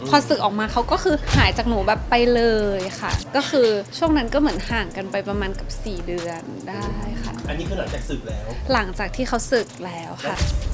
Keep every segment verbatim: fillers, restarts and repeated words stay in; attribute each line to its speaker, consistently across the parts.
Speaker 1: พอสึกออกมาเขาก็คือหายจากหนูแบบไปเลยค่ะก็คือช่วงนั้นก็เหมือนห่างกันไปประมาณกับสี่เดือนได้ค่ะ
Speaker 2: อันนี้คือหลังจากสึกแล้ว
Speaker 1: หลังจากที่เขาสึกแล้วค่ะ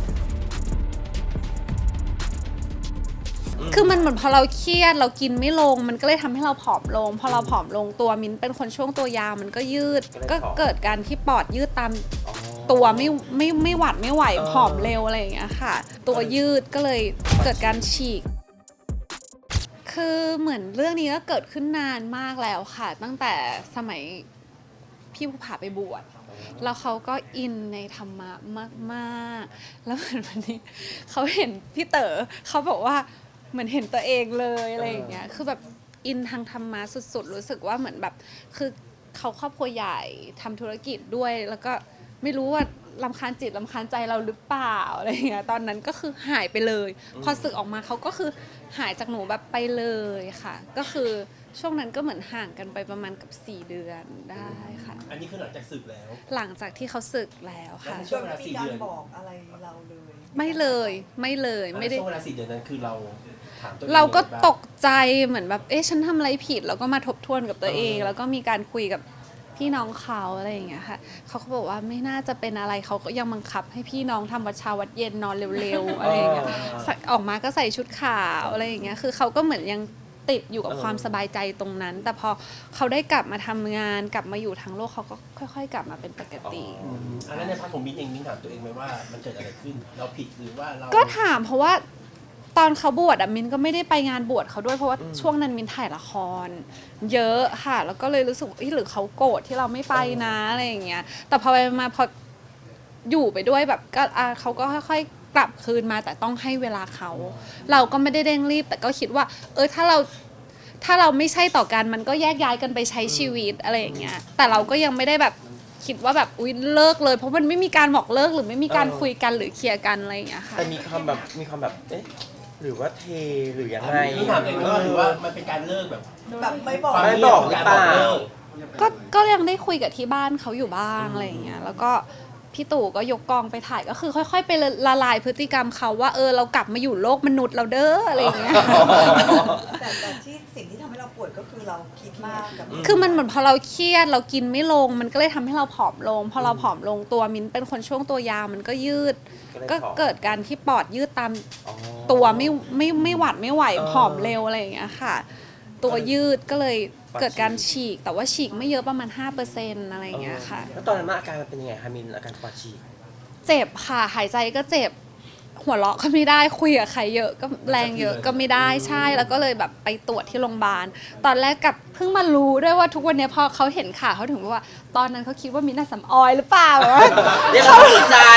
Speaker 1: คือมันเหมือนพอเราเครียดเรากินไม่ลงมันก็เลยทำให้เราผอมลงพอเราผอมลงตัวมิ้นเป็นคนช่วงตัวยาวมันก็ยืดก็เกิดการที่ปอดยืดตามตัวไม่ไม่ไม่หวัดไม่ไหวผอมเร็วอะไรอย่างเงี้ยค่ะตัวยืดก็เลยเกิดการฉีกคือเหมือนเรื่องนี้ก็เกิดขึ้นนานมากแล้วค่ะตั้งแต่สมัยพี่ภูผาไปบวชแล้วเขาก็อินในธรรมะมากๆแล้วเหมือนวันนี้เขาเห็นพี่เต๋อเขาบอกว่าเหมือนเห็นตัวเองเลยอะไรอย่างเงี้ยคือแบบอินทางธรรมะสุดๆรู้สึกว่าเหมือนแบบคือเขาครอบครัวใหญ่ทำธุรกิจด้วยแล้วก็ไม่รู้ว่ารำคาญจิตรำคาญใจเราหรือเปล่าอะไรอย่างเงี้ยตอนนั้นก็คือหายไปเลยพอสึกออกมาเขาก็คือหายจากหนูแบบไปเลยค่ะก็คือช่วงนั้นก็เหมือนห่างกันไปประมาณกับสี่เดือนได้ค่ะ
Speaker 2: อันนี้คือหลังจากสึกแล้ว
Speaker 1: หลังจากที่เขาสึกแล้วค่ะ
Speaker 2: ช่วงเวลาสี่เดือน
Speaker 3: บอกอะไรเราเลย
Speaker 1: ไม่เลยไม่เลยไม่ได้
Speaker 2: ช่วงเวลาสี่เดือนนั้นคือเราถามตัวเอง
Speaker 1: เราก็ตกใจเหมือนแบบเอ๊ะฉันทำอะไรผิดแล้วก็มาทบทวนกับตัวเอง แล้วก็มีการคุยกับพี่น้องเขาอะไรอย่างเงี้ยค่ะเขาก็บอกว่าไม่น่าจะเป็นอะไรเขาก็ยังบังคับให้พี่น้องทำวัดเช้าวัดเย็นนอนเร็วๆอะไรอย่างเงี้ยออกมาก็ใส่ชุดขาวอะไรอย่างเงี้ยคือเขาก็เหมือนยังติดอยู่กับความสบายใจตรงนั้นแต่พอเขาได้กลับมาทำงานกลับมาอยู่ทั้งโลกเขาก็ค่อยๆกลับมาเป็นปกติ
Speaker 2: อันนั้นในพาร์ทของมิ้นเองมิ้นถามตัวเองไหมว่ามันเกิดอะไรขึ้นเราผิดหรือว่าเรา
Speaker 1: ก็ถามเพราะว่าตอนเขาบวชอะมินก็ไม่ได้ไปงานบวชเขาด้วยเพราะว่าช่วงนั้นมินถ่ายละครเยอะค่ะแล้วก็เลยรู้สึกหรือเขาโกรธที่เราไม่ไปนะอะไรอย่างเงี้ยแต่พอไปมาพออยู่ไปด้วยแบบก็เขาก็ค่อยๆกลับคืนมาแต่ต้องให้เวลาเขาเราก็ไม่ได้เร่งรีบแต่ก็คิดว่าเออถ้าเราถ้าเราไม่ใช่ต่อกันมันก็แยกย้ายกันไปใช้ชีวิตอะไรอย่างเงี้ยแต่เราก็ยังไม่ได้แบบคิดว่าแบบอุ๊ยเลิกเลยเพราะมันไม่มีการบอกเลิกหรือไม่มีการคุยกันหรือเคลียร์กันอะไรอย่างเงี้ยค่ะ
Speaker 4: แต่มีความแบบมีความแบบเอ๊ะหรือว่าเทหรือยังไง
Speaker 2: มิ้นถามตัวเองว่าหรือว่ามันเป็นการเลิกแบบ
Speaker 3: แบบไม่บอก
Speaker 4: ไม่บอกหรือเปล่า
Speaker 1: ก็ก็ยังได้คุยกับที่บ้านเขาอยู่บ้างอะไรอย่างเงี้ยแล้วก็พี่ตู่ก็ยกกองไปถ่ายก็คือค่อยๆไปละลายพฤติกรรมเขาว่าเออเรากลับมาอยู่โลกมนุษย์เราเด้ออะไรอย่างเงี้ย
Speaker 3: แต่แต่ที่สิ่งที่ทำให้เราปวดก็คือเราคิดมากกับ
Speaker 1: คือมันเหมือนพอเราเครียดเรากินไม่ลงมันก็เลยทำให้เราผอมลงพอเราผอมลงตัวมิ้นเป็นคนช่วงตัวยาวมันก็ยืดก็เกิดการที่ปอดยืดตามตัวไม่ไม่ไม่หวัดไม่ไหวผอมเร็วอะไรอย่างเงี้ยค่ะตัวยืดก็เลยเกิดการฉีกแต่ว่าฉีกไม่เยอะประมาณ ห้าเปอร์เซ็นต์ อะไรอย่างเงี้ยค่ะ
Speaker 4: แล้วตอนนั้นอาการมันเป็นยังไงคะมินอาการปอดฉีก
Speaker 1: เจ็บค่ะหายใจก็เจ็บหัวเราะก็ไม่ได้คุยกับใครเยอะก็แรงเยอะก็ไม่ได้ใช่แล้วก็เลยแบบไปตรวจที่โรงพยาบาลตอนแรกกับเพิ่งมารู้ด้วยว่าทุกวันนี้พอเขาเห็นข่าวเขาถึงว่าตอนนั้นเขาคิดว่ามินน่าสำออยหรือเปล่า
Speaker 4: เรียกเขาสนใจ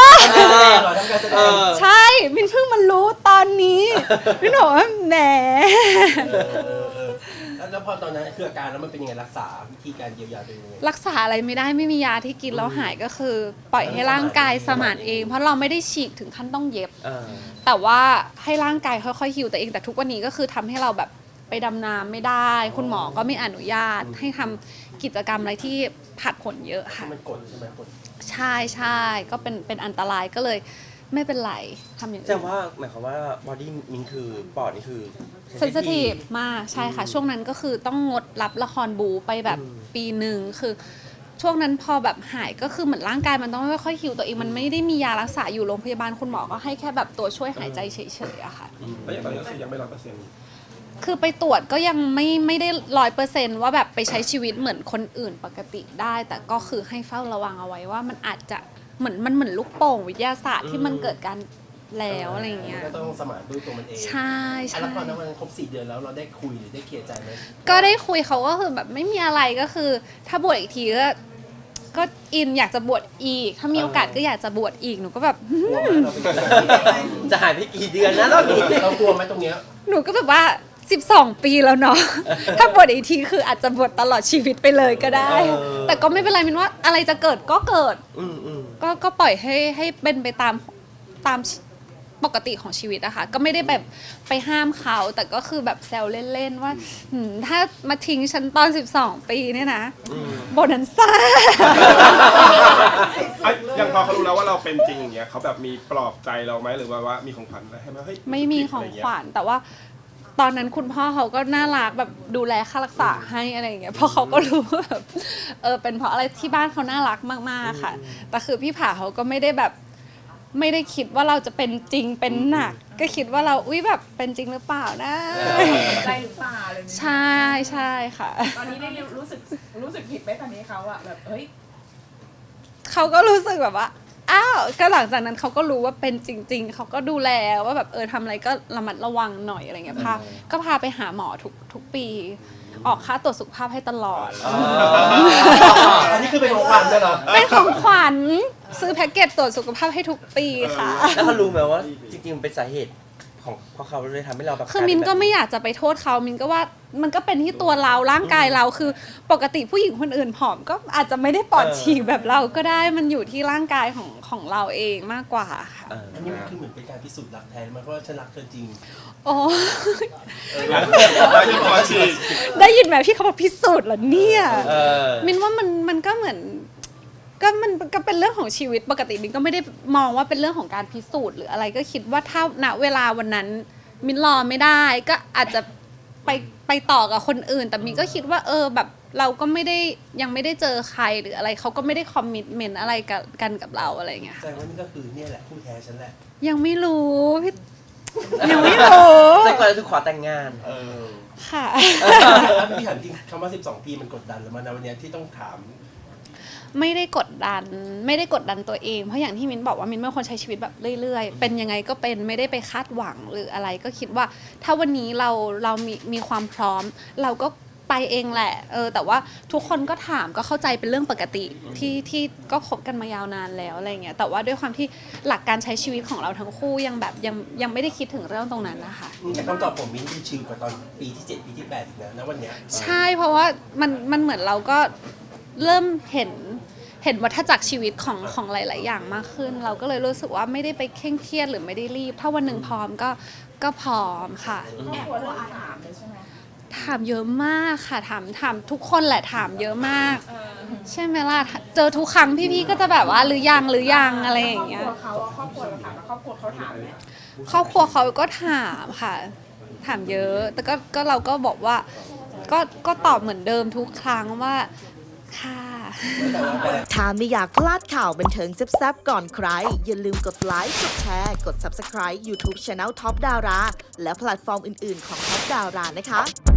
Speaker 1: ใช่มินเพิ่งมารู้ตอนนี้มินบอกว่าแหม
Speaker 2: แล้วพอตอนนั้นคืออาการแล้วมันเป็นยังไงรักษาวิธีการเยียวยาเป็นยังไง
Speaker 1: รักษาอะไรไม่ได้ไม่มียาที่กินแล้วหายก็คือปล่อยให้ร่างกายสมานเองเพราะเราไม่ได้ฉีกถึงขั้นต้องเย็บแต่ว่าให้ร่างกายค่อยๆฮิวตัวเองแต่ทุกวันนี้ก็คือทำให้เราแบบไปดำน้ำไม่ได้คุณหมอก็ไม่อนุญาตให้ทำกิจกรรมอะไรที่ผัดผลเยอะค่ะ
Speaker 2: มันกดใช่ไหมกด
Speaker 1: ใช่ใช่ก็เป็นเป็นอันตรายก็เลยไม่เป็นไรทำอย่างอื่น
Speaker 4: แต่ว่าหมายความว่าบอดี้มินคือปอดนี่คือ
Speaker 1: เซนซิทีฟมากใช่ค่ะช่วงนั้นก็คือต้องงดรับละครบูไปแบบปีหนึ่งคือช่วงนั้นพอแบบหายก็คือเหมือนร่างกายมันต้องค่อยๆฮิวตัวเองมันไม่ได้มียารักษาอยู่โรงพยาบาลคุณหมอก็ให้แค่แบบตัวช่วยหายใจเฉยๆอะค่ะ
Speaker 5: แล้วอย่างตอนนี้คือยังไม่ร้อยเปอร์เซ็นต์
Speaker 1: คือไปตรวจก็ยังไม่ไม่ได้ร้อยเปอร์เซนต์ว่าแบบไปใช้ชีวิตเหมือนคนอื่นปกติได้แต่ก็คือให้เฝ้าระวังเอาไว้ว่ามันอาจจะเหมือนมันเหมือนลูกโป่งวิทยาศาสตร์ที่มันเกิดการแล้วอะไรเงี้ย
Speaker 2: ก็ต้องสมานด้วยตัวมันเอง
Speaker 1: ใช่ใช่
Speaker 2: แล้วพอนั้นมันครบสี่เดือนแล้วเราได้คุยหรือได้เคลียร์ใจไหม
Speaker 1: ก็ได้คุยเขาก็คือแบบไม่มีอะไรก็คือถ้าบวชอีกทีก็ก็อินอยากจะบวชอีกถ้ามีโอกาสก็อยากจะบวชอีกหนูก็แบบ
Speaker 4: จะหายไปกี่เดือนนะรอบนี้
Speaker 2: เรากลัวไหมตรงเนี้ย
Speaker 1: หนูก็แบบว่าสิบสองปีแล้วเนาะถ้าบวชอีกทีคืออาจจะบวชตลอดชีวิตไปเลยก็ได้แต่ก็ไม่เป็นไรมินว่าอะไรจะเกิดก็เกิดก็ก็ปล่อยให้ให้เป็นไปตามตามปกติของชีวิตอะค่ะก็ไม่ได้แบบไปห้ามเขาแต่ก็คือแบบแซวเล่นๆว่าถ้ามาทิ้งฉันตอนสิบสองปีเนี่ยนะโบนันซ่า
Speaker 5: อย่างพอเขารู้แล้วว่าเราเป็นจริงอย่างเงี้ยเขาแบบมีปลอบใจเราไหมหรือว่าว่ามีของขวัญอะไรให้ไหมเฮ้ย
Speaker 1: ไม่มีของขวัญแต่ว่าตอนนั้นคุณพ่อเขาก็น่ารักแบบดูแลค่ารักษาให้อะไรอย่างเงี้ยเพราะเขาก็รู้ว่าแบบเออเป็นเพราะอะไรที่บ้านเขาน่ารักมากๆค่ะแต่คือพี่ผาเขาก็ไม่ได้แบบไม่ได้คิดว่าเราจะเป็นจริงเป็นหนักก็คิดว่าเราอุ้ยแบบเป็นจริงหรือเปล่านะ
Speaker 6: ใจหรือเปล่าอะไรอย่างเงี้ย
Speaker 1: ใช่ใช่ค่ะ
Speaker 6: ตอนนี้ได้รู้สึกรู้สึกผิดไหมตอนนี้เขาอะแบบเฮ้ย
Speaker 1: เขาก็รู้สึกแบบว่าอ้าวก็หลังจากนั้นเขาก็รู้ว่าเป็นจริง ๆเขาก็ดูแลว่าแบบเออทำอะไรก็ระมัดระวังหน่อยอะไรเงี้ยพาก็พาไปหาหมอทุกทุกปี ออกค่าตรวจสุขภาพให้ตลอด
Speaker 2: อันนี้คือเป็นของขวัญใช่เหรอ
Speaker 1: เป็นของขวัญซื้อแพ็กเกจตรวจสุขภาพให้ทุกปีค่ะ
Speaker 4: แล้วเขารู้ไหมว่าจริงๆมันเป็นสาเหตุของเพราะเขาเลยทำให้เราแบบ
Speaker 1: คือมินก็ไม่อยากจะไปโทษเขามินก็ว่ามันก็เป็นที่ตัวเราร่างกายเราคือปกติผู้หญิงคนอื่นผอมก็อาจจะไม่ได้ปอดฉีกแบบเราก็ได้มันอยู่ที่ร่างกายของของเราเองมากกว่าค่ะ
Speaker 4: เออ
Speaker 2: อันนี้มันคือเหมือนเป็นการพิสูจน์รักแท้มันเพราะว่าฉันรักเธอจริง
Speaker 1: โอ้
Speaker 5: แล้วยังพอฉีก
Speaker 1: ได้ยินไหมพี่เขาบอกพิสูจน์เหรอเนี่ย
Speaker 4: เออ
Speaker 1: มินว่ามันมันก็เหมือนก็มันก็เป็นเรื่องของชีวิตปกติมินก็ไม่ได้มองว่าเป็นเรื่องของการพิสูจน์หรืออะไรก็คิดว่าถ้าณเวลาวันนั้นมินรอไม่ได้ก็อาจจะไปไปต่อกับคนอื่น แต่มินก็คิดว่าเออแบบเราก็ไม่ได้ยังไม่ได้เจอใครหรืออะไรเขาก็ไม่ได้คอมมิตเมนต์อะไรกับกันกับเราอะไรอย่างเงี้ย
Speaker 2: แสดงว่านี่ก็คือเนี่ยแหละคู่แท้ฉันแหละ
Speaker 1: ยังไม่รู้พี่ยังไม่รู้
Speaker 4: ใจก่อนจะถูกขอแต่งงาน
Speaker 2: เออ
Speaker 1: ค่ะ
Speaker 2: แล้วพี่ถามจริงคำว่าสิบสองปีมันกดดันแล้วมันนะวันเนี้ยที่ต้องถาม
Speaker 1: ไม่ได้กดดันไม่ได้กดดันตัวเองเพราะอย่างที่มิ้นบอกว่ามิ้นเป็นคนใช้ชีวิตแบบเรื่อยๆเป็นยังไงก็เป็นไม่ได้ไปคาดหวังหรืออะไรก็คิดว่า ถ้าวันนี้เราเรามีมีความพร้อม เราก็ไปเองแหละเออแต่ว่าทุกคนก็ถามก็เข้าใจเป็นเรื่องปกติที่ที่ก็คบกันมายาวนานแล้วอะไรเงี้ยแต่ว่าด้วยความที่หลักการใช้ชีวิตของเราทั้งคู่ยังแบบยังยังไม่ได้คิดถึงเรื่องตรงนั้นนะคะ
Speaker 2: แต่คำตอบผมมิ้นดูชิลกว่าตอนปีที่เจ็ดปีที่แปดอีกนะณวันเนี้ย
Speaker 1: ใช่เพราะว่ามันมันเหมือนเราก็เริ่มเห็นเห็นวัฏจักรชีวิตของของหลาย ๆ อย่างมากขึ้น เราก็เลยรู้สึกว่าไม่ได้ไปเคร่งเครียดหรือไม่ได้รีบ ถ้าวันหนึ่งพร้อมก็ก็พร้อมค่ะ
Speaker 6: แอบกลัวเรื่องอาหารเลยใช่ไหม
Speaker 1: ถามเยอะมากค่ะถามถามทุกคนแหละถามเยอะมาก
Speaker 6: เออ
Speaker 1: ใช่ไหมล่ะเจอทุกครั้งพี่ ๆ ก็จะแบบว่าหรือยังหรือยังอะไรอย่างเงี้ย
Speaker 6: ครอบครัวเขาอะครอบครัวเราถามแล้วครอบครัวเขาถามไหม
Speaker 1: ครอบครัวเขาก็ถามค่ะ ถามเยอะ แต่ก็ก็เราก็บอกว่าก็ก็ตอบเหมือนเดิมทุกครั้งว่าค่ะ
Speaker 7: ถ้าไม่อยากพลาดข่าวบันเทิงแซ่บๆก่อนใคร อย่าลืมกดไลค์ กดแชร์ กด Subscribe YouTube Channel Top Dara และแพลตฟอร์มอื่นๆของ Top Dara นะคะ